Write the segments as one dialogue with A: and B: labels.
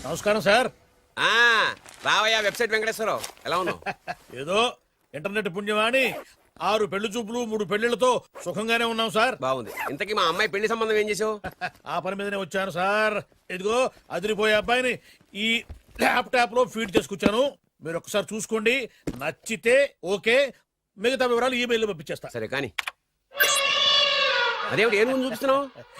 A: నమస్కారం సార్.
B: రావయ్యా వెబ్సైట్ వెంకటేశ్వరరావు, ఎలా ఉన్నావు?
A: ఏదో ఇంటర్నెట్ పుణ్యమాని 6 పెళ్లి చూపులు 3 పెళ్లిళ్లతో సుఖంగానే ఉన్నాం సార్.
B: బాగుంది. ఇంతకీ మా అమ్మాయి పెళ్లి సంబంధం ఏం చేసావు?
A: ఆ పని మీదనే వచ్చాను సార్. ఇదిగో అదిరిపోయే అబ్బాయిని ఈ ల్యాప్టాప్ లో ఫీడ్ చేసుకొచ్చాను. మీరు ఒకసారి చూసుకోండి, నచ్చితే ఓకే, మిగతా వివరాలు ఈమెయిల్ పంపించేస్తా.
B: సరే కానీ అదేమిటి ఏం ముందు చూపిస్తున్నావు?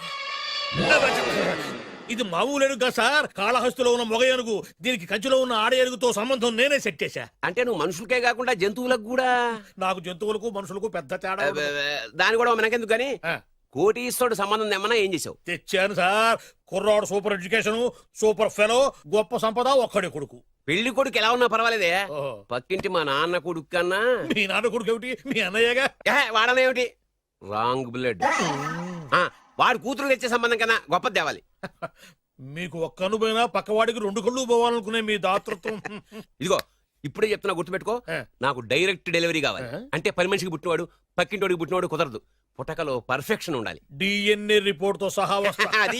A: ఇది మామూలు ఏనుగు సార్, కాళహస్తిలో ఉన్న మొగ ఏనుగు. దీనికి కంచిలో ఉన్న ఆడ ఏనుగుతో సంబంధం నేనే సెట్ చేశా.
B: అంటే నువ్వు మనుషులకే కాకుండా జంతువులకు కూడా?
A: నాకు జంతువులకు మనుషులకు పెద్ద తేడా.
B: దాని కూడా మనకెందుకు గానీ కోటీశ్వరుడు సంబంధం ఏమన్నా ఏం చేసావు?
A: తెచ్చాను సార్. కుర్రాడు సూపర్ ఎడ్యుకేషన్, సూపర్ ఫెలో, గొప్ప సంపద, ఒక్కడే కొడుకు.
B: పెళ్లి కొడుకు ఎలా ఉన్నా పర్వాలేదే, పక్కింటి మా నాన్న కొడుకు కన్నా.
A: మీ నాన్న కొడుకు ఏమిటి, మీ అన్నయ్యగా?
B: వాడనేమిటి, రాంగ్ బ్లడ్. వాడు కూతురు తెచ్చే సంబంధం కన్నా గొప్ప తేవాలి.
A: మీకు ఒక్క అనుభవైనా పక్కవాడికి 2 కళ్ళు పోవాలనుకునే మీ దాతృత్వం.
B: ఇదిగో ఇప్పుడే చెప్తున్నా, గుర్తుపెట్టుకో. నాకు డైరెక్ట్ డెలివరీ కావాలి. అంటే పని మనిషికి పుట్టినవాడు పక్కింటోడికి పుట్టినవాడు కుదరదు. పుట్టకలో పర్ఫెక్షన్ ఉండాలి.
A: డిఎన్ఏ రిపోర్ట్ తో సహా వస్తా.
B: అది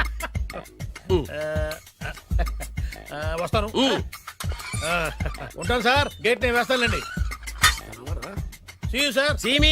A: వస్తాను. ఉంటాను సార్, గేట్ నేను వేస్తానులేండి. సార్
B: సీమి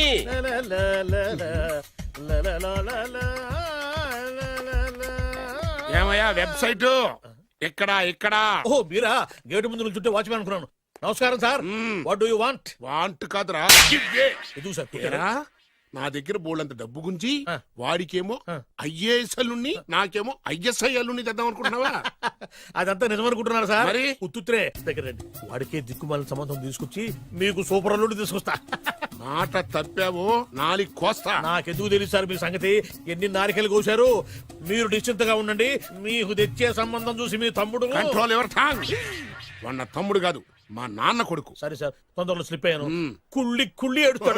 C: ఏమయ్యా వెబ్సైట్ ఎక్కడా?
A: ఓ మీరా, గేటు ముందు నుంచుంటే వాచ్మెన్ అనుకున్నాను. నమస్కారం sir. What do you want?
C: Want కాదురా,
A: ఎదుగు సార్.
C: నా దగ్గర బోళ్ళంత డబ్బు గుంచి వాడికేమో ఐఏఎస్ అల్లుని, నాకేమో ఐఎస్ఐ అల్లుని తెద్దాం అనుకుంటున్నావా?
A: అదంతా నిజమనుకుంటున్నారు సార్.
C: మరి
A: ఉత్తుత్రే దగ్గర రండి. వాడికే దిక్కుమాలిన సంబంధం తీసుకొచ్చి మీకు సూపర్ అల్లుడు తీసుకొస్తా.
C: మాట తప్పావో నాలి కోస్తా.
A: నాకెందుకు తెలుసు సార్ మీ సంగతి. ఎన్ని నారికలు కోశారు. మీరు నిశ్చింతగా ఉండండి. మీకు తెచ్చే సంబంధం చూసి మీ తమ్ముడు.
C: Control your tongue. వాడు తమ్ముడు కాదు, మా నాన్న కొడుకు.
A: సరే సార్, తొందరలో స్లిప్ అయ్యాను. కుళ్ళి కుళ్ళి ఏడుస్తాడు.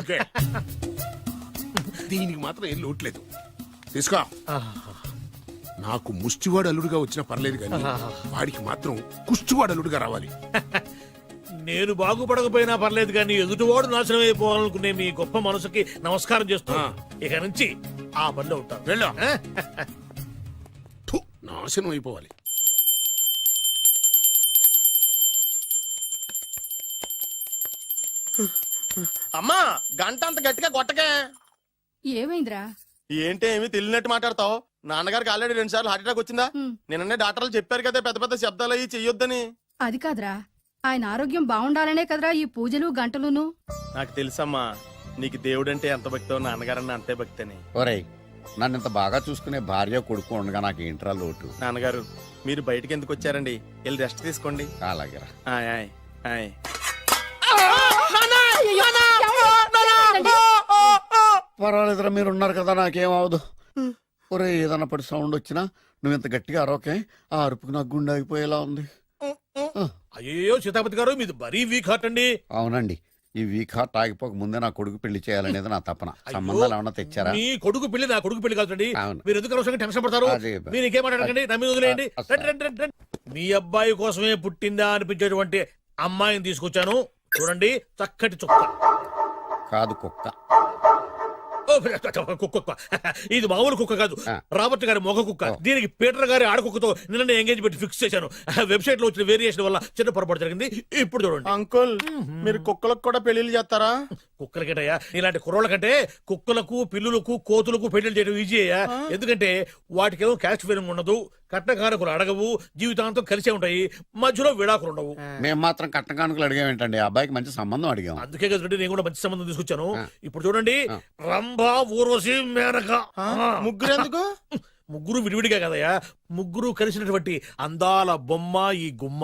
C: దీనికి మాత్రం ఏం లోట్లేదు. తీసుకో. నాకు ముష్టివాడు అల్లుడుగా వచ్చినా పర్లేదు కానీ వాడికి మాత్రం కుష్టివాడు అల్లుడుగా రావాలి.
A: నేను బాగుపడకపోయినా పర్లేదు కానీ ఎదుటివాడు నాశనం అయిపోవాలనుకునే మీ గొప్ప మనసుకి నమస్కారం చేస్తున్నా. ఇక నుంచి ఆ పనిలో ఉంటాను.
C: వెళ్ళా. నాశనం అయిపోవాలి.
D: అమ్మా, గంట అంత గట్టిగా కొట్టకే.
E: ఏమైందిరా?
D: ఏంటి ఏమి తెలియనట్టు మాట్లాడతావు? నాన్నగారికి ఆల్రెడీ 2 సార్లు హార్ట్ అటాక్ వచ్చిందా? నిన్ననే డాక్టర్లు చెప్పారు కదా పెద్ద పెద్ద శబ్దాలు అయ్యి చెయ్యొద్దని.
E: అది కాదురా, ఆయన ఆరోగ్యం బాగుండాలనే కదరా ఈ పూజలు గంటలును.
D: నాకు తెలుసమ్మా, నీకు దేవుడంటే ఎంత భక్తో నాన్నగారన్న అంతే భక్తి అని.
F: ఒరేయ్, నన్ను ఇంత బాగా చూసుకునే భార్య కొడుకు ఉండగా నాకు ఏంట్రా లోటు?
D: నాన్నగారు, మీరు బయటికి ఎందుకు వచ్చారండి? వెళ్ళి రెస్ట్ తీసుకోండి.
F: అలాగేరా.
D: ఆయ్ ఆయ్ ఆయ్.
F: పర్వాలేదురా, మీరు ఉన్నారు కదా, నాకేమవదు. ఒరే, ఏదన్నా పడి సౌండ్ వచ్చినా నువ్వు ఇంత గట్టిగా అరవకే. ఆ అరుపుకి నాకు గుండె ఆగిపోయేలా ఉంది.
A: అయ్యో సీతాపతి గారు, మీది మరీ వీక్ హార్ట్ అండి.
F: అవునండి, ఈ వీక్ హార్ట్ ఆగిపోక ముందే నా కొడుకు పెళ్లి చేయాలనేది నా తపన. సంబంధాలు ఏమన్నా తెచ్చారా?
A: మీ కొడుకు పెళ్లి నా కొడుకు పెళ్లి కాదండి.
F: అవును.
A: మీరు ఎందుకు అవసరంగా టెన్షన్ పడతారు? మీరు ఇంకేమాటండి, నా మీద వదిలేయండి. మీ అబ్బాయి కోసమే పుట్టిందా అనిపించేటువంటి అమ్మాయిని తీసుకొచ్చాను. చూడండి, చక్కటి చుక్క.
F: కాదు, కుక్క.
A: కుక్క. ఇది మామూలు కుక్క కాదు, రాబర్ట్ గారి మొగ కుక్క. దీనికి పీటర్ గారి ఆడకుక్కతో నిన్న ఎంగేజ్మెంట్ ఫిక్స్ చేశాను. వెబ్సైట్ లో వచ్చిన వేరియేషన్ వల్ల చిన్న పొరపాటు జరిగింది. ఇప్పుడు చూడండి.
D: అంకుల్, మీరు కుక్కలకు కూడా పెళ్లిళ్ళు చేస్తారా?
A: కుక్కలకేటయ్యా, ఇలాంటి కుర్రోళ్ళ కంటే కుక్కలకు, పిల్లులకు, కోతులకు పెళ్లి చేయడం ఈజీ అయ్యా. ఎందుకంటే వాటికేమో క్యాస్ట్ ఫీలింగ్ ఉండదు, కట్నకానుకలు అడగవు, జీవితాంతం కలిసే ఉంటాయి, మధ్యలో విడాకులు ఉండవు.
F: మేము మాత్రం కట్నకానుకలు అడిగామేంటండి? అబ్బాయికి మంచి సంబంధం అడిగాం.
A: అందుకే కదండి నేను కూడా మంచి సంబంధం తీసుకొచ్చాను. ఇప్పుడు చూడండి, రంభా, ఊర్వశి, మేనక.
D: ముగ్గురు ఎందుకు?
A: ముగ్గురు విడివిడిగా కదయ్యా, ముగ్గురు కలిసినటువంటి అందాల బొమ్మ ఈ గుమ్మ.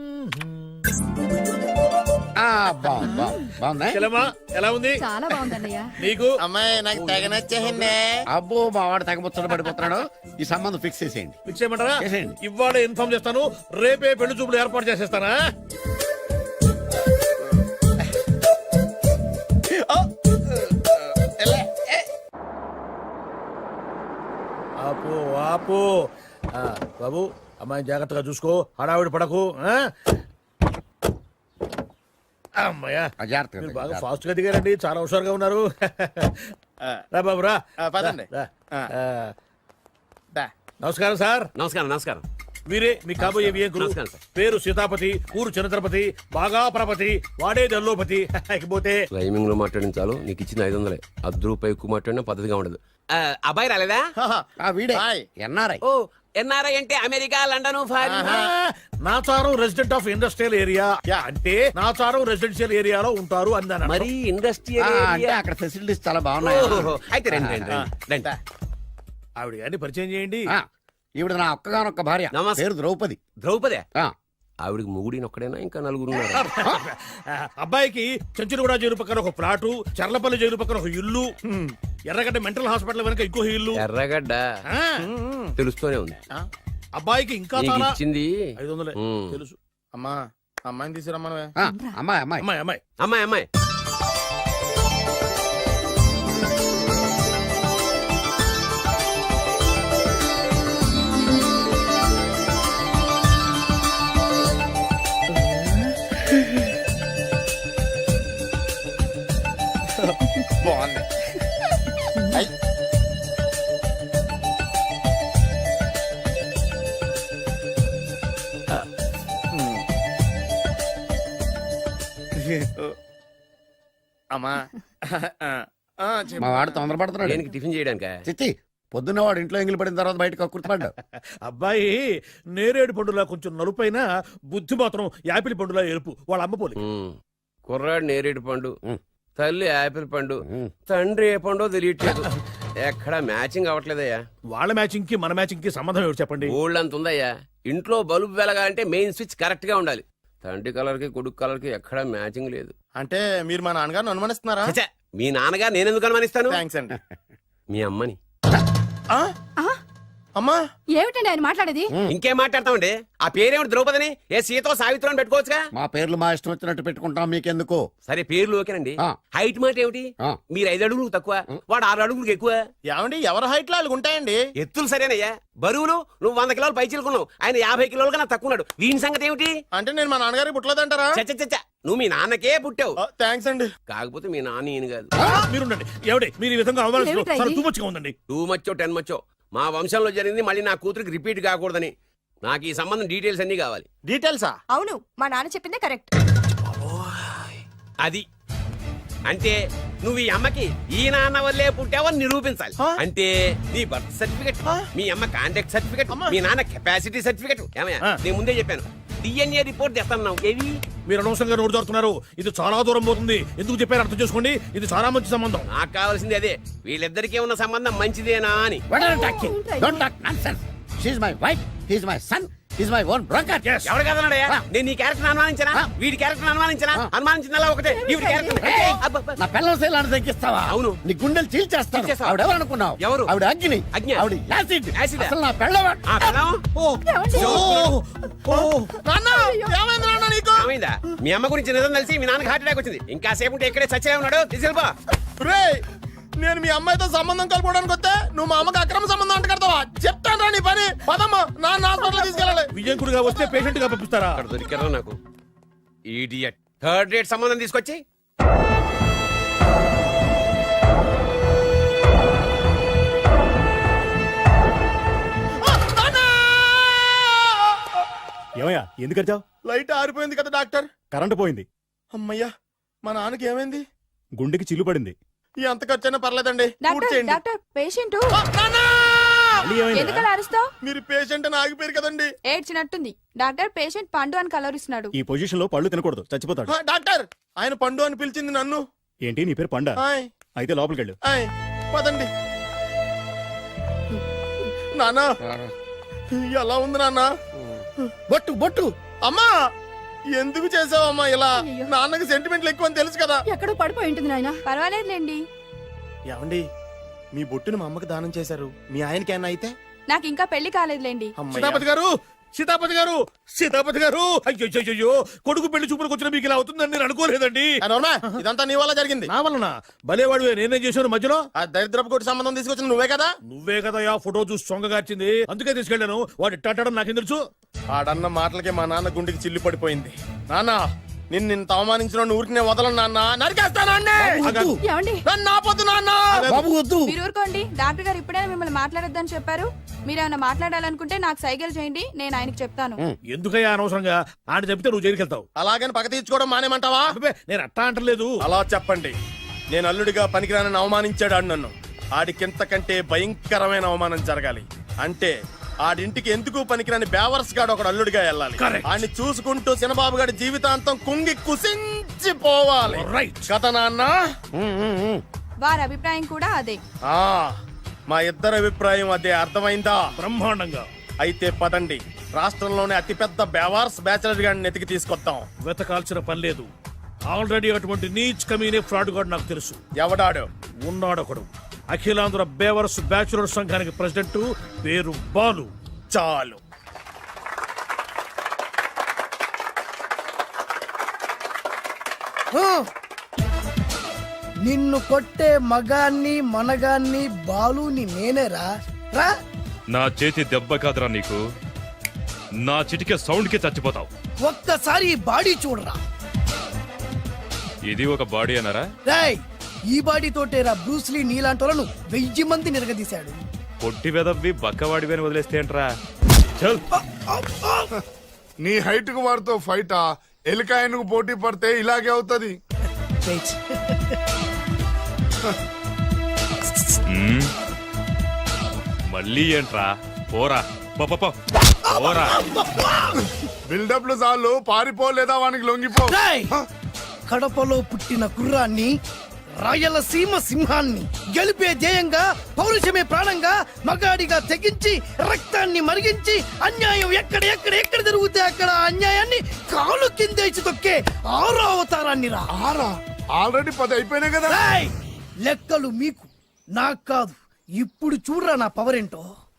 A: ఎలా ఉంది?
E: చాలా బాగుందన్నయ్య.
A: నీకు?
D: అమ్మాయి నాకు తెగ నచ్చేసిందే.
F: అబ్బో, మా వాడు తెగబుచ్చట పడిపోతున్నాడు. ఈ సంబంధం ఫిక్స్ చేసేయండి.
A: ఫిక్స్ చేయమంటారా?
F: చేసేయండి.
A: ఇవాళ ఇన్ఫార్మ్ చేస్తాను, రేపే పెళ్లి చూపులు ఏర్పాటు చేసేస్తానా? ఆపు ఆపు. బాబు, అమ్మాయిని జాగ్రత్తగా చూసుకో, హడావిడి పడకు. అమ్మాయ్యా, బాగా ఫాస్ట్ గా దిగారండి, చాలా హుషారుగా ఉన్నారు. రా బాబు రా.
D: పదండి.
A: నమస్కారం సార్.
B: నమస్కారం. నమస్కారం.
A: వీరే మీ కాబోయే వియంకులు.
B: నమస్కారం సార్.
A: పేరు సీతాపతి, ఊరు చంద్రపతి, బాగా ప్రపతి, వాడే దల్లోపతి. ఇకపోతే
B: టైమింగ్ లో మాట్లాడించాలు నీకు ఇచ్చిన 500 ₹10 ఎక్కువ మాట్లాడినా పద్ధతిగా ఉండదు. అబ్బాయి రాలేదా?
F: ఆ వీడే
D: హాయ్.
F: ఎన్ఆర్ఐ.
B: ఓ ఎన్ఆర్ఐ అంటే America, London, foreign.
A: Nacharam resident of industrial area అంటే నాచారం రెసిడెన్షియల్ ఏరియాలో ఉంటారు అందాను.
B: మరి ఇండస్ట్రియల్
F: అంటే అక్కడ ఫెసిలిటీస్ చాలా బాగున్నాయి.
B: అయితే రండి రండి రండి, రండి.
A: ఆవిడ గారిని పరిచయం చేయండి.
F: ఆ, ఈవిడ నా ఒక్కగానొక్క భార్య.
B: నమస్తే.
F: పేరు ద్రౌపది.
B: ద్రౌపదే
F: ఆ,
B: ఆవిడికి మొగుడిని ఒక్కడేనా ఇంకా నలుగురు ఉన్నారు?
A: అబ్బాయికి చెంచులగూడ జైలు పక్కన ఒక ప్లాటు, చర్లపల్లి జైలు పక్కన ఒక ఇల్లు, ఎర్రగడ్డ మెంటల్ హాస్పిటల్ వెనక ఇంకో ఇల్లు.
B: ఎర్రగడ్డ
A: ఆ,
B: తెలుస్తూనే ఉంది.
A: అబ్బాయికి ఇంకా
B: నీకు
A: చాలా
B: ఇచ్చింది
A: 500
B: ఉమ్.
A: తెలుసు.
D: అమ్మా అమ్మాయిని తీసుకురమ్మనవే.
F: ఆ, అమ్మాయి అమ్మాయి.
A: అమ్మాయి అమ్మాయి
B: అమ్మాయి అమ్మాయి
D: బాగుంది. ఐ. అమ్మా చెప్పు.
F: మా వాడు తొందరపడుతున్నాడు.
B: దేనికి టిఫిన్ చేయడానికా?
F: చిచ్చి పొద్దున్న వాడు ఇంట్లో ఎంగిలి పడిన తర్వాత బయటకు కుర్తుపడ్డాడు.
A: అబ్బాయి నేరేడు పండులా కొంచెం నలుపైన, బుద్ధి మాత్రం యాపిల్ పండులా ఎరుపు. వాళ్ళ అమ్మ పోలి.
B: ఉమ్. కుర్రాడు నేరేడు పండు,
F: ఉమ్.
B: తల్లి యాపిల్ పండు,
F: ఉమ్.
B: తండ్రి ఏ పండో తెలియట్లేదు. ఎక్కడ మ్యాచింగ్ అవ్వట్లేదయ్యా.
A: వాళ్ళ మ్యాచింగ్ కి మన మ్యాచింగ్ కి సంబంధం ఏమిటి చెప్పండి.
B: ఊళ్ళంత ఉందయ్యా. ఇంట్లో బల్బు వెలగాలంటే మెయిన్ స్విచ్ కరెక్ట్ గా ఉండాలి. తండ్రి కలర్ కి కొడుకు కలర్ కి ఎక్కడ మ్యాచింగ్ లేదు.
D: అంటే మీరు మా నాన్నగారిని అనుమానిస్తున్నారా?
B: ఛ, మీ నాన్నగారు నేనెందుకు అనుమానిస్తాను?
D: థ్యాంక్స్ అండి.
B: మీ అమ్మని.
D: ఆ? అమ్మా
E: ఏమిటండి ఆయన మాట్లాడేది?
B: ఇంకేం మాట్లాడతామండి? ఆ పేరేమిటి ద్రౌపదిని? ఏ సీతో సావిత్రం అని పెట్టుకోవచ్చుగా.
F: మా పేర్లు మా ఇష్టం వచ్చినట్టు పెట్టుకుంటాం, మీకెందుకు?
B: సరే పేర్లు ఓకేనండి.
F: ఆ.
B: హైట్ మాట ఏమిటి?
F: ఆ.
B: మీరు 5 అడుగులు తక్కువ, వాడు 6 అడుగులకు ఎక్కువ.
D: ఏమండి ఎవరి హైట్ లో వాళ్ళకి ఉంటాయండి.
B: ఎత్తులు సరేనయ్యా. బరువులు నువ్వు 100 కిలోలు పై చిలుకున్నావు, ఆయన 50 కిలోలు కన్నా తక్కువ ఉన్నాడు. వీని సంగతి ఏమిటి?
D: అంటే నేను మా నాన్నగారికి పుట్టలేదంటారా?
B: చచ్చ నువ్వు మీ నాన్నకే పుట్టావు.
D: థ్యాంక్స్ అండి.
B: కాకపోతే మీ నాన్న ఈయన కాదు.
A: మీరుండండి. ఎవడే మీరు ఈ విధంగా అవమానిస్తున్నారు?
E: ఏమిటా
A: చాలా
E: ఇది?
A: తూమచ్చిగా ఉందండి.
B: 2 మచ్చో 10 మచ్చో మా వంశంలో జరిగింది మళ్ళీ నా కూతురికి రిపీట్ కాకూడదని నాకు ఈ సంబంధం డీటెయిల్స్ అన్ని కావాలి.
D: డీటెయిల్సా?
G: అవును మా నాన్న చెప్పిందే కరెక్ట్.
B: అది అంటే నువ్వు ఈ అమ్మకి ఈ నాన్న వల్లే పుట్టావని నిరూపించాలి.
D: ఆ?
B: అంటే నీ బర్త్ సర్టిఫికెట్, మీ అమ్మ కాంటాక్ట్ సర్టిఫికెట్,
D: అమ్మా.
B: మీ నాన్న కెపాసిటీ సర్టిఫికెట్. ఏమయ్యా
A: ఆ.
B: నేను ముందే చెప్పాను DNA రిపోర్ట్ తెస్తాను. ఏవి?
A: మీరు అనవసరంగా నోరు జారుతున్నారు. ఇది చాలా దూరం పోతుంది. ఎందుకు చెప్పారు అర్థం చేసుకోండి. ఇది చాలా మంచి సంబంధం.
B: నాకు కావాల్సింది అదే, వీళ్ళిద్దరికీ ఉన్న సంబంధం మంచిదేనా అని.
F: What are you talking? Don't talk nonsense. She's my wife, he's my son, he's my own brother.
A: Yes.
B: ఎవరు కదన్నాడయ్యా?
F: ఆ.
B: నేను నీ క్యారెక్టర్ అనుమానించనా?
F: ఆ.
B: వీడి క్యారెక్టర్ అనుమానించనా?
F: ఆ.
B: అనుమానించిందల్లా ఒకటే. వీడి క్యారెక్టర్
F: నా పిల్లల శైలాన్ని తగ్గిస్తావా?
B: అవును.
F: నీ గుండెలు చీల్చేస్తాను.
B: చీల్చేస్తావా?
F: ఆవిడ ఎవరు అనుకున్నావు?
B: ఎవరు?
F: ఆవిడ అగ్ని.
B: అగ్ని?
F: ఆవిడ యాసిడ్.
B: యాసిడా?
F: అసలు నా పిల్లవా?
B: ఆ పిల్లం?
D: నాన్న ఏమైంది నాన్న నీకు?
B: ఏమైందా? మీ అమ్మ గురించి నిజం తెలిసి మీ నాన్నకి హార్ట్ అటాక్ వచ్చింది. ఇంకా సేపు ఉంటే ఇక్కడే చచ్చలే ఉన్నాడు. తీసుకెళ్ళిపో.
D: రేయ్, నేను మీ అమ్మాయితో సంబంధం కలుపుకోవడానికి వస్తే నువ్వు మా అమ్మకి అక్రమ సంబంధం అంట కడతావా? చెప్తాను రా నీ పని. పదమ్మా, నాన్న హాస్పిటల్ తీసుకెళ్ళాలి.
A: విజయంకుడిగా వస్తే పేషెంట్ గా పంపిస్తారా?
B: అక్కడ దొరికారా నాకు ఈడియట్. థర్డ్ రేట్ సంబంధం తీసుకొచ్చి
H: ఏమయ్యా ఎందుకు వచ్చావు?
D: లైట్ ఆరిపోయింది కదా డాక్టర్.
H: కరెంటు పోయింది.
D: అమ్మయ్యా, మా నాన్నకి ఏమైంది?
H: గుండెకి చిల్లు పడింది.
D: ఎంత ఖర్చైనా పర్లేదండి. పూర్తి
G: డాక్టర్
D: చేయండి.
G: డాక్టర్ పేషెంట్
D: నాన్న!
H: మళ్ళీ ఏమైందిరా?
G: ఎందుకలా అరుస్తావు?
D: మీరు పేషెంట్ అని ఆగిపోయారు కదండి.
G: ఏడ్చినట్టుంది. డాక్టర్ పేషెంట్ పండు అని కలరిస్తున్నాడు.
H: ఈ పొజిషన్ లో పళ్ళు తినకూడదు, చచ్చిపోతాడు.
D: డాక్టర్, ఆయన పండు అని పిలిచింది నన్ను.
H: ఏంటి నీ పేరు పండా?
D: ఆయ్,
H: అయితే లోపలికి వెళ్ళు.
D: ఆయ్, పదండి. నాన్న ఎలా ఉంది నాన్న?
F: బొట్టు బొట్టు.
D: అమ్మా, ఎందుకు చేసావమ్మా ఇలా?
E: అయ్యో.
D: నాన్నకి సెంటిమెంట్లు ఎక్కువ అని తెలుసు కదా.
E: ఎక్కడో పడిపోయి ఉంటుంది నాయన.
G: పర్వాలేదులేండి.
D: ఏమండి, మీ బొట్టును మా అమ్మకి దానం చేశారు. మీ ఆయనకి ఏమన్నా అయితే?
G: నాకు ఇంకా పెళ్లి కాలేదులేండి.
D: అమ్మయ్య.
A: సీతాపతి గారు, సీతాపతి గారు, సీతాపతి గారు. అయ్యో, కొడుకు పెళ్లి చూపులకు వచ్చిన మీకు ఇలా అవుతుందని నేను అనుకోలేదండి.
D: ఆ, నోర్మా, ఇదంతా నీ వల్ల జరిగింది.
A: నా వలన భలేవాడు. నేనేం చేశాను మధ్యలో?
D: ఆ దరిద్రపు కొట్టి సంబంధం తీసుకొచ్చిన నువ్వే కదా.
A: నువ్వే కదా ఆ ఫోటో చూసి సొంగగార్చింది. అందుకే తీసుకెళ్ళాను. వాడు ఇట్టాడడం నాకేం తెలుసు?
D: ఆడన్న మాటలకే మా నాన్న గుండెకి చిల్లు పడిపోయింది. నాన్న, నిన్ను అవమానించిన ఊరికి నేను వదలను నాన్న, నరికేస్తానండి.
E: ఏమండి
D: నన్ను ఆపొద్దు నాన్న.
F: బాబు వద్దు.
G: మీరు ఊరుకోండి. డాక్టర్ గారు ఇప్పుడే మిమ్మల్ని మాట్లాడొద్దని చెప్పారు. మీరేమైనా మాట్లాడాలనుకుంటే నాకు సైకిల్ చేయండి, నేను ఆయనకి చెప్తాను.
A: ఎందుకయ్యా అనవసరంగా ఆయన చెప్తే నువ్వు జైలుకి వెళ్తావు.
D: అలాగని పక్క తీర్చుకోవడం మానేమంటావా?
A: అబ్బే, నేను అట్టా అంటలేదు.
D: అలా చెప్పండి. నేను అల్లుడిగా పనికిరానని అవమానించాడు ఆడు నన్ను. ఆడికింతకంటే భయంకరమైన అవమానం జరగాలి. అంటే ఆడింటికి ఎందుకు పనికిరాని బేవర్స్ గాడు ఒకడు అల్లుడిగా వెళ్ళాలి.
A: Correct.
D: ఆడిని చూసుకుంటూ చిన్నబాబు గారి జీవితాంతం కుంగి కుసించిపోవాలి.
A: Right.
D: కదా నాన్న?
G: వారి అభిప్రాయం కూడా అదే.
D: ఆ, మా ఇద్దరి అభిప్రాయం అదే. అర్థమైందా?
A: బ్రహ్మాండంగా.
D: అయితే పదండి, రాష్ట్రంలోనే అతిపెద్ద బేవార్స్ బ్యాచిలర్ గాడిని ఎతికి తీసుకొద్దాం.
A: వెతకాల్సిన పని లేదు. ఆల్రెడీ అటువంటి నీచ్ కమీనే ఫ్రాడ్ గాడు నాకు తెలుసు.
D: ఎవడాడు?
A: ఉన్నాడొకడు. అఖిలాంధ్ర బేవరస్ బ్యాచులర్ సంఘానికి ప్రెసిడెంట్, పేరు బాలు.
D: చాలు.
I: నిన్ను కొట్టే మగాన్ని మనగాన్ని బాలుని నేనేరా రా.
J: నా చేతి దెబ్బ కాదురా నీకు, నా చిటికే సౌండ్ కి చచ్చిపోతావు.
I: ఒక్కసారి ఈ బాడీ చూడరా.
J: ఇది ఒక బాడీ అన్నారా?
I: రాయ్, ఈ బాడీ తోటేరా బ్రూస్లీ నీలాంటోలను 1000 మంది నిరగదీశాడు.
J: పొట్టి వెదవ్వి బక్కవాడివి అని వదిలేస్తే ఏంట్రా? చల్.
C: నీ హైట్ కు వాడితో ఫైటా? ఎలికాయనకు పోటీ పడితే ఇలాగే అవుతది.
I: వెయిట్.
J: మ్మ్. మళ్ళీ ఏంట్రా? పోరా పో, పో, పో. పోరా.
C: బిల్డప్లు చాలు, పారిపోలేదా వానికి లొంగిపో.
I: రాయ్, కడపలో పుట్టిన కుర్రాన్ని, రాయలసీమ సింహాన్ని గెలిపే ధ్యేయంగా, పౌరుషమే ప్రాణంగా, మగాడిగా తెగించి రక్తాన్ని మరిగించి అన్యాయం ఎక్కడ జరుగుతే అక్కడ అన్యాయాన్ని కాలు కిందేసి తొక్కే 6వ అవతారాన్ని రా.
C: ఆరా ఆల్రెడీ 10 అయిపోయినాయి కదా.
I: రాయ్, లెక్కలు మీకు నాకు కాదు. ఇప్పుడు చూడరా నా పవర్ ఏంటో.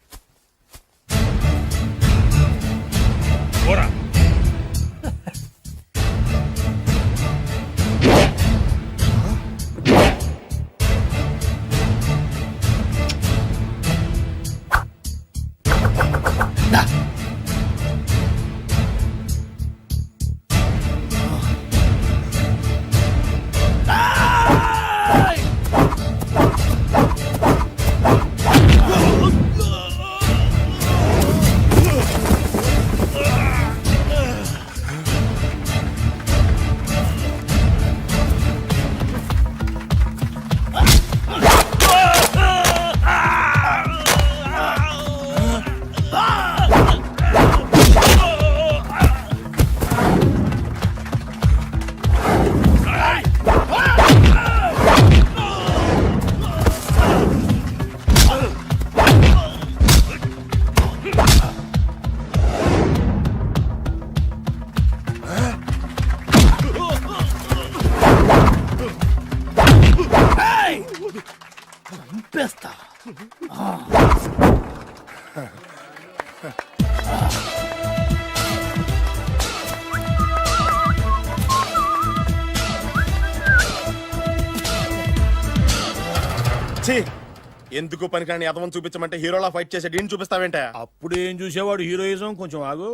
A: పోరా.
I: చంపేస్తా.
D: ఛీ, ఎందుకు పనికిరాని అదవం చూపించమంటే హీరోలా ఫైట్ చేసే డీన్ చూపిస్తావేంట?
A: అప్పుడు ఏం చూసేవాడు హీరోయిజం. కొంచెం ఆగు.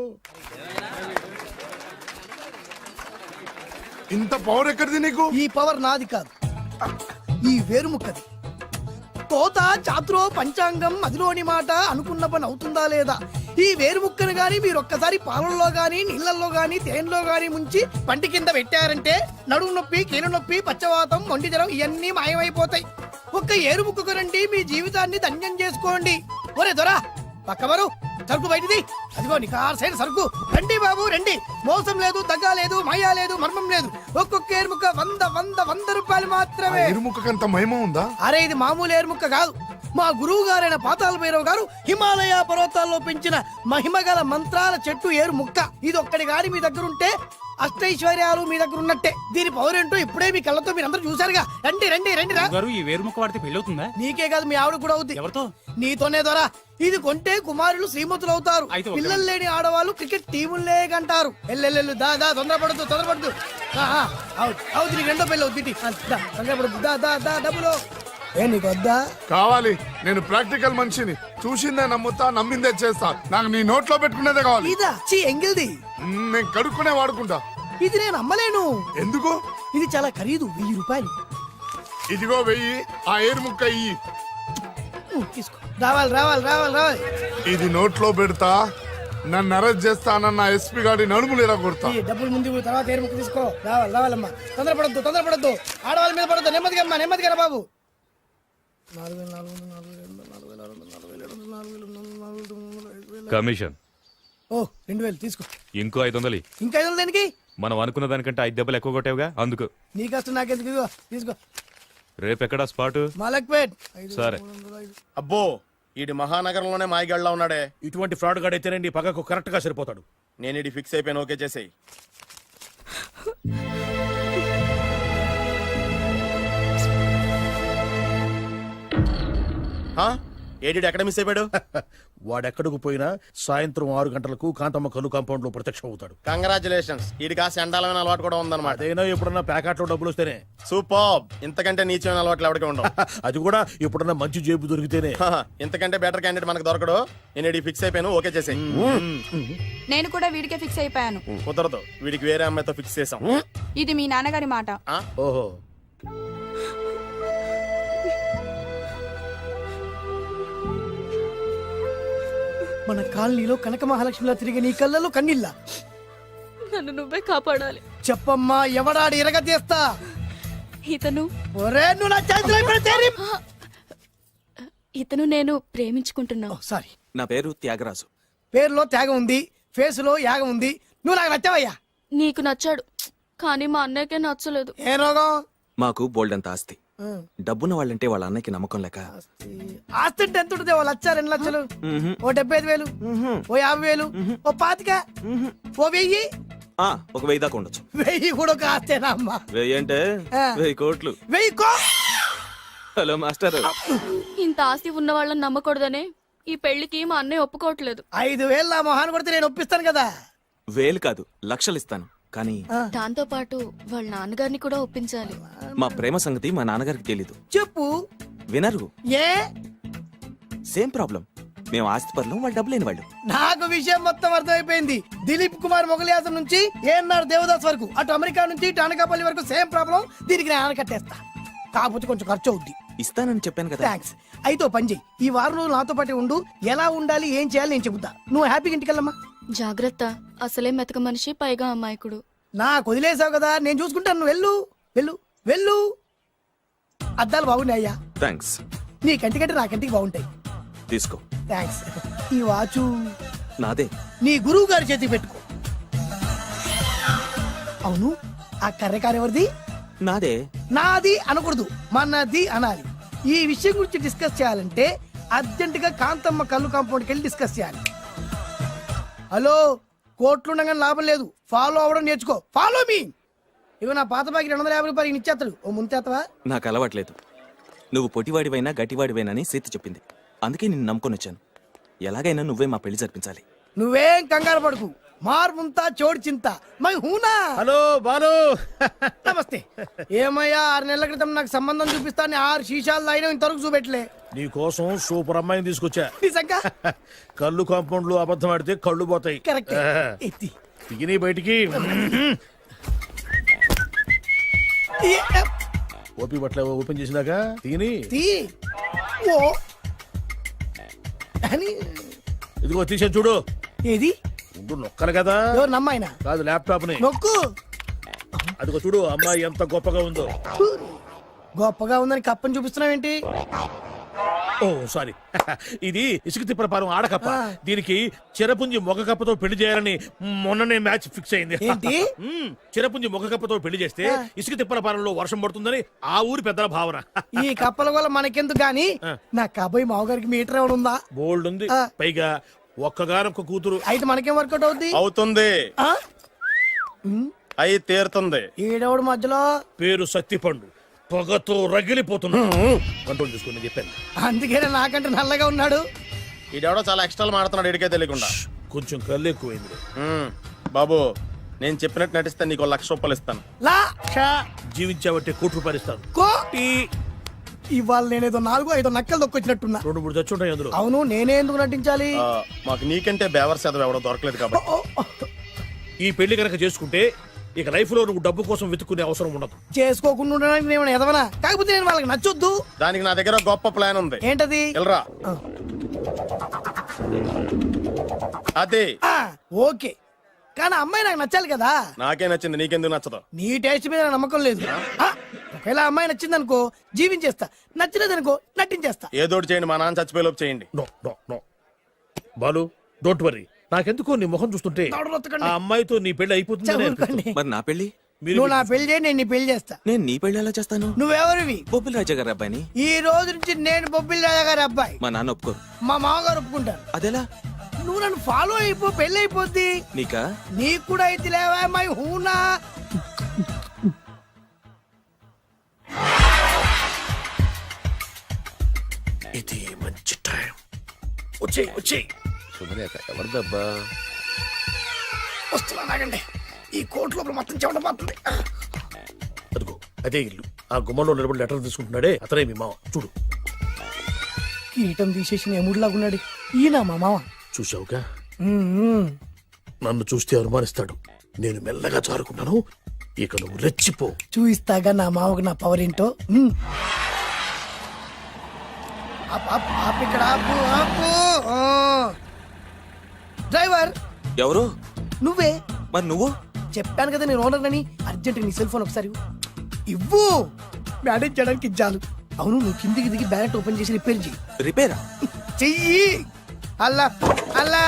C: ఇంత పవర్ ఎక్కడిది నీకు?
I: ఈ పవర్ నాది కాదు, ఈ వేరుముక్కది. కోత చాతురో పంచాంగం అదిలోని మాట అనుకున్న పని అవుతుందా లేదా? ఈ వేరుముక్కను గాని మీరు ఒక్కసారి పాలల్లో గాని నీళ్లలో గాని తేనెలో గాని ముంచి పంటి కింద పెట్టారంటే నడుము నొప్పి, కీలు నొప్పి, పచ్చవాతం, మొండి జ్వరం ఇవన్నీ మాయమైపోతాయి. ఒక్క ఏరుముక్కకు రండి, మీ జీవితాన్ని ధన్యం చేసుకోండి. ఒరే దొరా, పక్కవరు సరుకు బయటిది. అదిగో నికార్సైన సరుకు. రండి బాబు రండి. మోసం లేదు, దగ్గ లేదు, మాయా లేదు, మర్మం లేదు. ఒక్కొక్క ఏరుముక్క 100 రూపాయలు మాత్రమే.
C: ఎరుముకంత మహిమ ఉందా?
I: అరే, ఇది మామూలు ఏరుముక్క కాదు. మా గురువు గారైన పాతాళ భైరవ్ గారు హిమాలయ పర్వతాల్లో పెంచిన మహిమగల మంత్రాల చెట్టు ఏరు ముక్క. ఇది ఒక్కడి గాని మీ దగ్గర ఉంటే అష్టైశ్వర్యాలు మీ దగ్గర ఉన్నట్టే. దీని పవర్ ఏంటో ఇప్పుడే మీ కళ్ళతో మీరు అందరూ చూసారుగా. రండి రండి రండి రా.
K: గారు, ఈ వేరుముక్క వాడితే పెళ్లి అవుతుందా?
I: నీకే కాదు, మీ ఆవిడ కూడా అవుద్ది.
K: ఎవరితో?
I: నీతోనే ద్వారా. ఇది కొంటే కుమారులు శ్రీమంతులు అవుతారు.
K: అయితే ఓకే.
I: పిల్లలు లేని ఆడవాళ్ళు క్రికెట్ టీములే కంటారు. ఎల్లెల్లెల్లు దా దా, తొందరపడద్దు. అవుతుంది, నీకు రెండో పెళ్ళి అవుతుంది. తొందరపడద్దు, దా దా దా, డబ్బులు ఏ నీకు వద్దా?
C: కావాలి. నేను ప్రాక్టికల్ మనిషిని. చూసిందే నమ్ముతా, నమ్మిందే చేస్తా. నాకు నీ నోట్లో పెట్టుకునేదే కావాలి.
I: ఇదా చీ ఎంగిల్ది.
C: నేను కడుక్కునే వాడుకుంటా.
I: ఇది నేను అమ్మలేను.
C: ఎందుకు?
I: ఇది చాలా ఖరీదు, 1000 రూపాయలు.
C: ఇదిగో వెయ్యి, ఆ ఏరు ముక్క ఇయ్యి.
I: తీసుకో. రావాలి రావాలి రావాలి రావాలి.
C: ఇది నోట్లో పెడతా, నన్ను అరెస్ట్ చేస్తానన్న ఎస్పీ గారి నడుములు ఇలా కొడతా.
I: ఈ డబ్బులు ముందు ఇవ్వు, తర్వాత ఏరు ముక్క తీసుకో. రావాలి రావాలమ్మా. తొందరపడద్దు. ఆడవాళ్ళ మీద పడద్దు. నెమ్మదిగా అమ్మా, నెమ్మదిగా రా బాబు. 4,400
J: కమిషన్
I: ఓ 2,000 తీసుకో.
J: ఇంకో 500.
I: ఇంకా 500 దేనికి?
J: మనం అనుకున్న దానికంటే 5 దెబ్బలు ఎక్కువ కొట్టావుగా అందుకు.
I: నీ కష్టం నాకెందుకు? ఇదిగో తీసుకో.
J: రేపెక్కడా స్పాట్?
I: మలక్పేట్.
J: సరే.
D: అబ్బో ఈడి మహానగరంలోనే మాయగాళ్ళ ఉన్నాడే.
A: ఇటువంటి ఫ్రాడ్ గాడైతేనండి పగకు కరెక్ట్ గా సరిపోతాడు.
D: నేను ఇది ఫిక్స్ అయిపోయాను, ఓకే చేసేయి. ఏడి ఎక్కడ మిస్ అయిపోయాడు?
A: వాడెక్కడికి పోయినా సాయంత్రం 6 గంటలకు కాంతమ్మ కల్లు కాంపౌండ్ లో ప్రత్యక్షం అవుతాడు.
D: కంగ్రాచులేషన్స్, ఈడికి ఆ సెండాలమైన అలవాటు కూడా ఉందన్నమాట.
A: అదైనా ఎప్పుడన్నా ప్యాకెట్లో డబ్బులు వస్తేనే.
D: సూపర్, ఇంతకంటే నీచమైన అలవాట్లు ఎవరికి ఉండవు.
A: అది కూడా ఎప్పుడన్నా మంచి జేబు దొరికితేనే.
D: ఇంతకంటే బెటర్ క్యాండిడేట్ మనకు దొరకడు. నేను ఇది ఫిక్స్ అయిపోయాను, ఓకే చేసేయి.
G: నేను కూడా వీడికే ఫిక్స్ అయిపోయాను.
D: కుదరదు, వీడికి వేరే అమ్మాయితో ఫిక్స్ చేసాం.
G: ఇది మీ నాన్నగారి మాట.
A: ఓహో,
I: మన కాలనీలో కనక మహాలక్ష్మిలా తిరిగి నీ కళ్ళలో కన్నీళ్ళ.
G: నన్ను నువ్వే కాపాడాలి.
I: చెప్పమ్మా, ఎవడాడి ఎరగ తీస్తా.
G: ఇతను
I: ఒరే నువ్వు నా చేతిలో పెడితే
G: ఇతను నేను ప్రేమించుకుంటున్నావు.
I: సారీ,
K: నా పేరు త్యాగరాజు.
I: పేరులో త్యాగం ఉంది, ఫేసులో యాగం ఉంది. నువ్వు నాకు నచ్చావయ్యా.
G: నీకు నచ్చాడు, కానీ మా అన్నయ్యకే నచ్చలేదు.
I: ఏ రోగం?
K: మాకు బోల్డంత ఆస్తి. డబ్బున్న వాళ్ళంటే వాళ్ళ అన్నకి నమ్మకం లేక
I: ఆస్తి అంటే ఎంత ఉంటుంది? 1,00,000 2 లక్షలు, ఓ 75,000, ఓ 50,000, ఓ 25,000, ఓ 1000.
K: ఒక 1000 దాకా ఉండొచ్చు.
I: 1000 కూడా ఒక ఆస్తేనా అమ్మా?
K: 1000 అంటే 1000 కోట్లు.
I: 1000
K: హలో మాస్టర్.
G: ఇంత ఆస్తి ఉన్న వాళ్ళని నమ్మకూడదనే ఈ పెళ్లికి మా అన్నయ్య ఒప్పుకోవట్లేదు.
I: 5,000 నా మొహాన్ని కొడితే నేను ఒప్పిస్తాను కదా.
K: 1000 కాదు, లక్షలు ఇస్తాను. కానీ
G: దాంతో పాటు వాళ్ళ నాన్నగారిని కూడా ఒప్పించాలి.
K: మా ప్రేమ సంగతి మా నాన్నగారికి తెలీదు.
I: చెప్పు.
K: వినరు.
I: ఏ?
K: Same problem. మేము ఆస్తి పరులు, వాళ్ళు డబ్బు లేని వాళ్ళు.
I: నాకు విషయం మొత్తం అర్థమైపోయింది. దిలీప్ కుమార్ మొగలియాసం నుంచి ఏఎన్ఆర్ దేవదాస్ వరకు, అటు అమెరికా నుంచి ఇటు అనకాపల్లి వరకు సేమ్ ప్రాబ్లం. దీనికి నేను ఆనకట్టేస్తా. కాకపోతే కొంచెం ఖర్చు అవుద్ది.
K: ఇస్తానని చెప్పాను కదా.
I: థ్యాంక్స్. అయితే ఓ పని చెయ్యి, ఈ వారం రోజులు నాతో పాటే ఉండు. ఎలా ఉండాలి, ఏం చేయాలి నేను చెబుతా. నువ్వు హ్యాపీగా ఇంటికెళ్ళమ్మా.
G: జాగ్రత్త, అసలే మెతక మనిషి, పైగా అమాయకుడు.
I: నాకు వదిలేసావు కదా, నేను చూసుకుంటాను. నువ్వు వెళ్ళు వెళ్ళు వెళ్ళు. అద్దాలు బాగున్నాయ్యా.
K: థ్యాంక్స్.
I: నీ కంటికంటే నా కంటికి బాగుంటాయి.
K: తీసుకో.
I: థ్యాంక్స్. ఈ వాచు
K: నాదే.
I: నీ గురువు గారి చేతికి పెట్టుకో. అవును, ఆ కర్రెకారు ఎవరిది?
K: నాదే.
I: నాది అనకూడదు, మనది అనాలి. ఈ విషయం గురించి డిస్కస్ చేయాలంటే అర్జెంట్ గా కాంతమ్మ కల్లు కాంపౌండ్కి వెళ్ళి డిస్కస్ చేయాలి. హలో, కోట్లుండగానే లాభం లేదు. ఫాలో అవ్వడం నేర్చుకో. Follow me. ఇవి నా పాత బాకి 250 రూపాయలు ఇచ్చేస్తాడు. ఓ ముంతేత్తవా?
K: నాకు అలవాట్లేదు. నువ్వు పొటివాడివైనా గట్టివాడివైనా అని సీత చెప్పింది. అందుకే నిన్ను నమ్ముకొని వచ్చాను. ఎలాగైనా నువ్వే మా పెళ్లి జరిపించాలి.
I: నువ్వేం కంగారు పడుకు. మార్ ముంతా చోడు చింత మై హూనా.
A: హలో బాలు.
I: నమస్తే. ఏమయ్యా, 6 నెలల క్రితం నాకు సంబంధం చూపిస్తాను 6 శీషాలు అయినా ఇంతవరకు చూపెట్టలే.
A: నీ కోసం సూపర్ అమ్మాయిని తీసుకొచ్చా.
I: నిజంగా?
A: కళ్ళు కాంపౌండ్ లో అబద్ధం ఆడితే కళ్ళు పోతాయి.
I: కరెక్ట్. ఎత్తి.
A: దిగిని బయటికి. ఓపి బట్ల ఓపెన్ చేసినాక తిని
I: తీ. ఓ అని.
A: ఇదిగో తీసే చూడు.
I: ఏది?
A: ఉండు, నొక్కలు కదా.
I: ఎవరు నమ్మాయినా?
A: కాదు, ల్యాప్టాప్ ని
I: నొక్కు.
A: అదిగో చూడు, అమ్మాయి ఎంత గొప్పగా ఉందో.
I: గొప్పగా ఉందని కప్పని చూపిస్తున్నావేంటి?
A: ఓ సారీ, ఇది ఇసుక తిప్పల పారం ఆడకప్ప. దీనికి చిరపుంజి మొగ కప్పతో పెళ్లి చేయాలని మొన్ననే మ్యాచ్ ఫిక్స్ అయింది.
I: ఏంటి?
A: చిరపుంజి మొగ కప్పతో పెళ్లి చేస్తే ఇసుక తిప్పల పారంలో వర్షం పడుతుందని ఆ ఊరి పెద్దల భావన.
I: ఈ కప్పల వల్ల మనకెందుకు గాని, నా కాబోయే మావగారికి మీటర్ ఏమైనా ఉందా?
A: బోల్డ్ ఉంది. పైగా ఒక్కగానొక్క కూతురు.
I: అయితే మనకేం వర్కౌట్ అవుద్ది?
D: అవుతుంది,
I: ఆ?
D: అయి తీరుతుంది.
I: ఈడవడు మధ్యలో.
A: పేరు సత్తిపండు, పొగతో రగిలిపోతున్నా. కంట్రోల్ చూసుకుని చెప్పాను.
I: అందుకేనే నాకంటే నల్లగా ఉన్నాడు.
D: ఈడెవడో చాలా ఎక్స్ట్రాలు మాడుతున్నాడు, ఇడికే తెలియకుండా.
A: కొంచెం కళ్ళు ఎక్కువైంది.
D: బాబు, నేను చెప్పినట్టు నటిస్తే నీకు 1,00,000 రూపాయలు ఇస్తాను.
A: జీవించావంటే ₹1,00,000 ఇస్తాను.
I: ఇవాళ నేనేదో 4-5 నక్కలు దొక్కొచ్చినట్టున్నా.
A: 2-3 చచ్చుంటాయి అందులో.
I: అవును, నేనే ఎందుకు నటించాలి?
D: మాకు నీకంటే బేవర్ శాతం ఎవడో దొరకలేదు కాబట్టి.
A: ఈ పెళ్లి కనుక చేసుకుంటే ఇక లైఫ్ లో నువ్వు డబ్బు కోసం వెతుక్కునే అవసరం ఉండదు.
I: చేసుకోకుండా ఉండడానికి నేను ఏమైనా ఎదవనా? కాకపోతే నేను వాళ్ళకి నచ్చొద్దు.
D: దానికి నా దగ్గర గొప్ప ప్లాన్ ఉంది.
I: ఏంటది?
D: వెళ్ళరా.
I: ఆ.
D: అదే.
I: ఆ, ఓకే, కానీ అమ్మాయి నాకు నచ్చాలి కదా.
D: నాకే నచ్చింది, నీకెందుకు నచ్చదు?
I: నీ టేస్ట్ మీద నాకు నమ్మకం లేదు. ఆ, ఒకవేళ అమ్మాయి నచ్చిందనుకో జీవించేస్తా, నచ్చలేదనుకో నటించేస్తా.
D: ఏదోటి చేయండి, మా నాన్న చచ్చిపోయేలోపు చేయండి.
A: No no no Balu, don't worry. నాకెందుకో నీ ముఖం చూస్తుంటే
I: దవడలొత్తకండి.
A: ఆ అమ్మాయితో నీ పెళ్లి అయిపోతుందని
I: చదువుకోండి.
K: మరి నా పెళ్లి?
I: నువ్వు నా పెళ్లి చేయి, నేను నీ పెళ్లి చేస్తా.
K: నేను నీ పెళ్లి ఎలా చేస్తాను?
I: నువ్వెవరివి?
K: బొబ్బిలి రాజా గారి అబ్బాయిని.
I: ఈ రోజు నుంచి నేను బొబ్బిలి రాజా గారి అబ్బాయి.
K: మా నాన్న ఒప్పుకోరు.
I: మా మామగారు ఒప్పుకుంటారు.
K: అదెలా?
I: నువ్వు నన్ను ఫాలో అయిపో, పెళ్లి అయిపోద్ది.
K: నీకా?
I: నీకు కూడా అయితే లేవా మై హూనా.
A: ఇది మంచి టైం. వచ్చేయ్ వచ్చేయ్.
B: శుభలేఖ ఎవరిదబ్బా?
I: వస్తున్నా నాగండి, ఈ కోర్టు లోపల మొత్తం చెమటపోతుంది.
A: అదిగో అదే ఇల్లు. ఆ గుమ్మంలో నిలబడి లెటర్ తీసుకుంటున్నాడే అతనే మీ మామ. చూడు.
I: కీటం తీసేసిన ఎముడిలాగున్నాడు ఈయన మా మామ.
A: చూసావుగా,
I: మ్మ్.
A: నన్ను చూస్తే అనుమానిస్తాడు. నేను మెల్లగా చారుకున్నాను. ఇక నువ్వు రెచ్చిపో.
I: చూయిస్తాగా నా మామకు నా పవర్ ఏంటో. మ్మ్. ఆపు ఇక్కడ, ఆపు ఆపు. ఆ. డ్రైవర్
K: ఎవరు?
I: నువ్వే.
K: మరి నువ్వు?
I: చెప్పాను కదా నేను ఓనర్ అని. అర్జెంట్ నీ సెల్ ఫోన్ ఒకసారి ఇవ్వు. మేనేజ్ చేయడానికి ఇచ్చాను. అవును, నువ్వు కిందికి దిగి బ్యాలెట్ ఓపెన్ చేసి రిపేర్ చెయ్యి.
K: రిపేరా?
I: చెయ్యి. అల్లా అల్లా.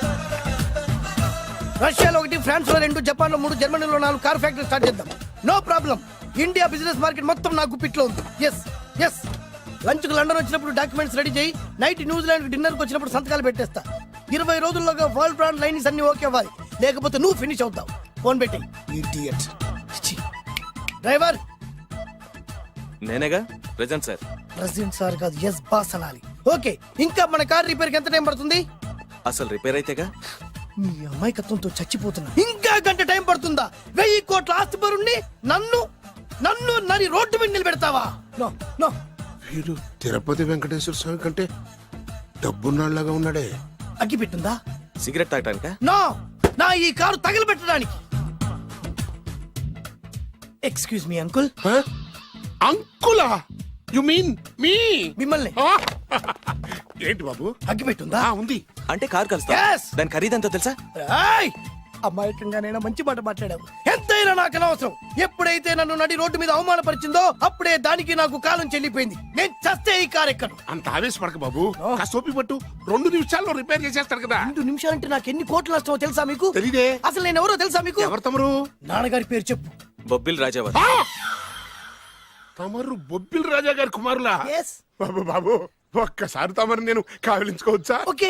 I: రష్యాలో 1, ఫ్రాన్స్ లో 2, జపాన్ లో 3, జర్మనీలో 4 కార్ ఫ్యాక్టరీ స్టార్ట్ చేద్దాం. No problem. India business market మొత్తం నా గుప్పిట్లో ఉంది. Yes yes. లంచ్ కు లండన్ వచ్చినప్పుడు డాక్యుమెంట్స్ రెడీ చేయి. నైట్ న్యూజిలాండ్ డిన్నర్ కు వచ్చినప్పుడు సంతకాలు పెట్టేస్తా. 20 రోజుల్లోగా వరల్డ్ బ్రాండ్ లైన్స్ అన్ని ఓకే అవ్వాలి, లేకపోతే నువ్వు ఫినిష్ అవుతావు. ఫోన్ పెట్టి ఇడియట్. డ్రైవర్.
K: నేనేగా ప్రెజెంట్ సార్.
I: ప్రెసిడెంట్ సార్ కాదు, ఎస్ బాస్ అనాలి. ఓకే, ఇంకా మన కార్ రిపేర్ కి ఎంత టైం పడుతుంది?
K: అసలు రిపేర్ అయితేగా.
I: మీ అమాయకత్వంతో చచ్చిపోతున్నా. ఇంకా గంట టైం పడుతుందా? 1000 కోట్ల ఆస్తి పరుణ్ణి నన్ను నన్ను నరి రోడ్డు మీద నిలబెడతావా? No no.
C: వీడు తిరుపతి వెంకటేశ్వర స్వామి కంటే డబ్బున్నాళ్ళగా ఉన్నాడే.
I: అగ్గి పెట్టుందా?
K: సిగరెట్ తాగటానికా?
I: నో, నా ఈ కారు తగలబెట్టడానికి. Excuse me uncle.
C: అంకులా? You mean me?
I: మిమ్మల్ని.
C: ఏంటి బాబు?
I: అగ్గి పెట్టుందా?
C: ఉంది.
K: అంటే కార్ కలుస్తా.
I: Yes.
K: దాని ఖరీదంతా తెలుసా?
I: ఏయ్! అమాయకంగానైనా మంచి మాట మాట్లాడావు. ఎంతైనా నాకు అనవసరం. ఎప్పుడైతే నన్ను నడి రోడ్డు మీద అవమానపరిచిందో అప్పుడే దానికి నాకు కాలం చెల్లిపోయింది. నేను చస్తే ఈ కారు ఎక్కను.
C: అంత ఆవేశపడక బాబు. కాస్త ఓపిక పట్టు. 2 నిమిషాల్లో రిపేర్ చేసేస్తారు కదా.
I: 2 నిమిషాలంటే నాకు ఎన్ని కోట్లు నష్టమో తెలుసా మీకు?
C: తెలీదే.
I: అసలు నేను ఎవరో తెలుసా మీకు?
C: ఎవరు తమరు?
I: నాన్నగారి పేరు చెప్పు.
K: బొబ్బిల్ రాజావారు.
C: తమరు బొబ్బిల్ రాజా గారి కుమారులా?
I: Yes.
C: బాబు బాబు, ఒక్కసారి తమరు నేను కావలించుకోవచ్చా?
I: ఓకే.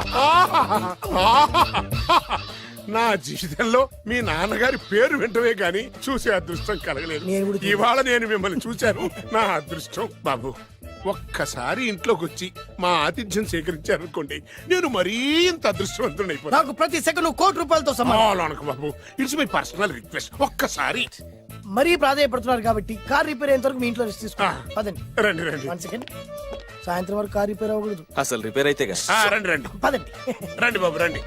C: నా జీవితంలో మీ నాన్నగారి పేరు వింటమే గాని చూసే అదృష్టం కలగలేదు.
I: నేను కూడా చూడలేదు.
C: ఇవాళ నేను మిమ్మల్ని చూశాను. నా అదృష్టం. బాబు, ఒక్కసారి ఇంట్లోకి వచ్చి మా ఆతిథ్యం సేకరించారనుకోండి, నేను మరీ ఇంత అదృష్టవంతుడైపోతాను.
I: నాకు ప్రతి సెకండ్ కోటి సమానం.
C: బాబు, ఇట్స్ మై పర్సనల్ రిక్వెస్ట్. ఒక్కసారి.
I: మరీ ప్రాధాయపడుతున్నారు కాబట్టి కార్ రిపేర్ అయ్యేంత వరకు మీ ఇంట్లో రెస్ట్ తీసుకోండి. పదండి.
C: రండి రండి.
I: 1 సెకండ్. సాయంత్రం వరకు కార్ రిపేర్ అవ్వకూడదు.
K: అసలు రిపేర్ అయితేగా.
C: రండి రండి
I: పదండి.
C: రండి బాబు రండి.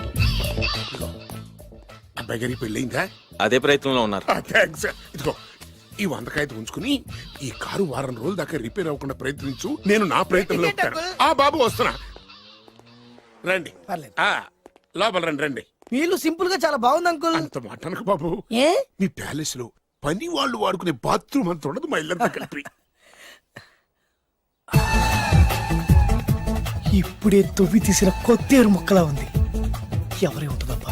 C: అబ్బాయి గారి పెళ్ళయిందా?
K: అదే ప్రయత్నంలో ఉన్నారు.
C: థ్యాంక్స్. ఇదిగో ఈ 100 కాయలు ఉంచుకుని ఈ కారు వారం రోజుల దాకా రిపేర్ అవ్వకుండా ప్రయత్నించు. నేను నా ప్రయత్నంలో ఉంటాను. బాబు వస్తున్నా. రండి.
I: పర్లేదు.
C: లోపల రండి రండి.
I: వీళ్ళు సింపుల్ గా చాలా బాగుంది అంకుల్.
C: అంత మాట అనకు బాబు.
I: ఏ?
C: మీ ప్యాలెస్ లో పని వాళ్ళు వాడుకునే బాత్రూమ్ అంత ఉండదు మా ఇల్లంతా కలిపి.
I: ఇప్పుడే తొవ్వి తీసిన కొత్తేరు మొక్కలా ఉంది. ఎవరే ఉంటుందబ్బా?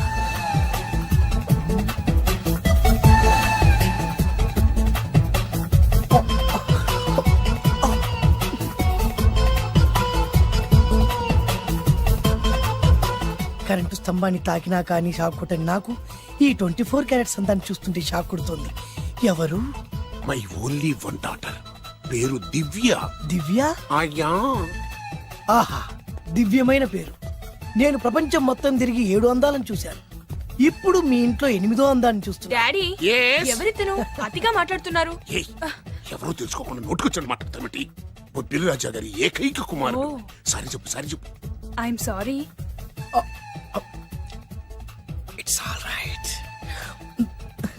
I: కరెంటు స్తంభాన్ని తాకినా కానీ షాక్ కొట్టని నాకు ఈ 24 క్యారెట్స్ అందాన్ని చూస్తుంటే షాక్ కొడుతుంది. ఎవరు?
C: My only 1 daughter. పేరు దివ్య.
I: దివ్య?
C: అయ్యా.
I: ఆహా, దివ్యమైన పేరు. నేను ప్రపంచం మొత్తం తిరిగి 7 అందాలను చూశాను. ఇప్పుడు మీ ఇంట్లో 8వ అందాన్ని చూస్తున్నా.
G: Daddy,
C: Yes?
G: ఎవరితను అతిగా మాట్లాడుతున్నారు?
C: ఏయ్, ఎవరో తెలుసుకోకుండా నోటుకొచ్చాడు మాట్లాడతామటి. బొబ్బిలి రాజా గారి ఏకైక కుమారుడు. సారీ చెప్పు, సారీ చెప్పు.
G: I'm sorry.
I: It's all right.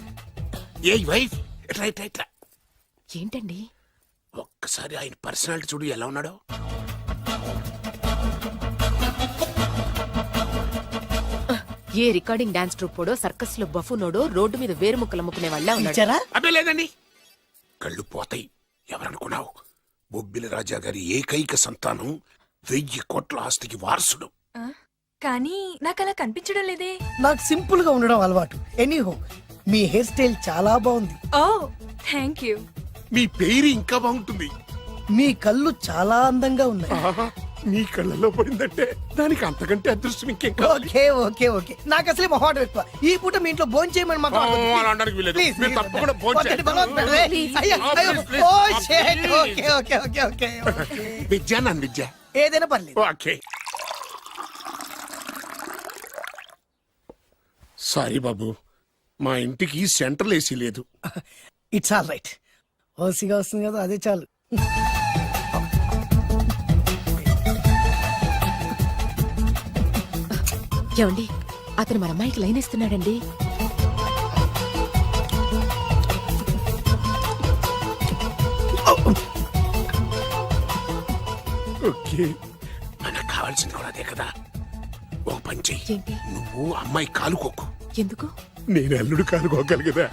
C: ఏ వైఫ్ ఇట్లా ఇట్లా ఇట్లా
L: ఏంటండి?
C: ఒక్కసారి ఆయన పర్సనాలిటీ చూడు ఎలా ఉన్నాడో.
L: ఏ రికార్డింగ్ డాన్స్ ట్రూపోడో సర్కస్ లో బఫునోడో రోడ్డు మీద వేరు ముక్కలు అమ్ముకునే వాళ్ళ ఉన్నాడు.
I: ఇచ్చారా?
C: అబ్బే లేదండి. కళ్ళు పోతాయి. ఎవరనుకున్నావు? బొబ్బిలి రాజా గారి ఏకైక సంతానం 1000 కోట్ల ఆస్తికి వారసుడు.
L: కానీ నాకు అలా కనిపించడం లేదే.
I: నాకు సింపుల్ గా ఉండడం అలవాటు. ఎనీహో మీ హెయిర్ స్టైల్ చాలా బాగుంది.
L: ఓ థ్యాంక్ యూ.
C: మీ పేరు ఇంకా బాగుంటుంది.
I: మీ కళ్ళు చాలా అందంగా ఉన్నాయి.
C: ఆహా, మీ కళ్ళలో పడిందంటే దానికి అంతకంటే అదృష్టం ఇంకేం కావాలి.
I: ఓకే ఓకే ఓకే నాకు అసలే మొహాటం ఎక్కువ. ఈ పూట మీ ఇంట్లో భోజనం చేయమని మాకు
C: అలా అనడానికి వీల్లేదు. మీరు తప్పకుండా భోంచేయండి.
I: Okay okay okay okay
C: Vidya నన్ను విద్య
I: ఏదైనా పర్లేదు.
C: ఓకే. సారీ బాబు, మా ఇంటికి సెంట్రల్ ఏసీ లేదు.
I: It's all right. ఓసిగా వస్తుంది కదా, అదే చాలు.
L: ఏమండి, అతను మన అమ్మాయికి లైన్ ఇస్తున్నాడండి.
C: ఓకే, మనకు కావాల్సింది కూడా అదే కదా. ఓ పని చెయ్యి.
L: ఏంటి?
C: నువ్వు అమ్మాయి కాలుకోకు,
L: ఎందుకు?
C: నేను అల్లుడు కాలుకోగలిగదా.